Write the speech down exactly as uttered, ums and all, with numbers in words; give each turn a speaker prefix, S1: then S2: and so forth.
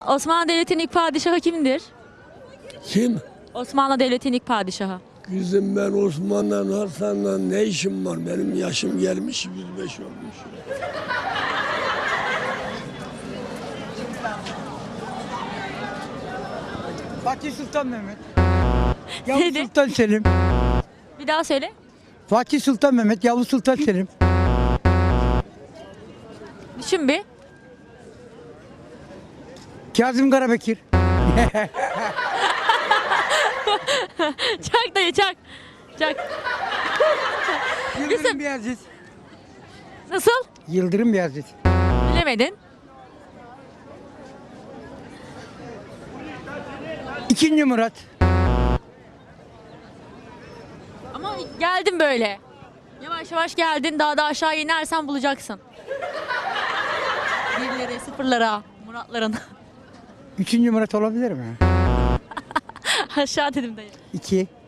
S1: Osmanlı Devleti'nin ilk padişahı kimdir?
S2: Kim?
S1: Osmanlı Devleti'nin ilk padişahı.
S2: Kızım ben Osman'la Hasan'la ne işim var? Benim yaşım gelmiş yüz beş olmuş.
S3: Fatih Sultan Mehmet. Yavuz
S1: Neydi?
S3: Sultan Selim.
S1: Bir daha söyle.
S3: Fatih Sultan Mehmet, Yavuz Sultan Selim.
S1: Düşün bir.
S3: Kazım Karabekir.
S1: Çak dayı çak. Çak.
S3: Yıldırım Beyazıt.
S1: Nasıl?
S3: Yıldırım Beyazıt.
S1: Bilemedin.
S3: İkinci Murat.
S1: Ama geldin böyle. Yavaş yavaş geldin. Daha da aşağı inersen bulacaksın. Birlere, sıfırlara, Muratların.
S3: Üçüncü Murat olabilir mi?
S1: Aşağı dedim dayı.
S3: İki.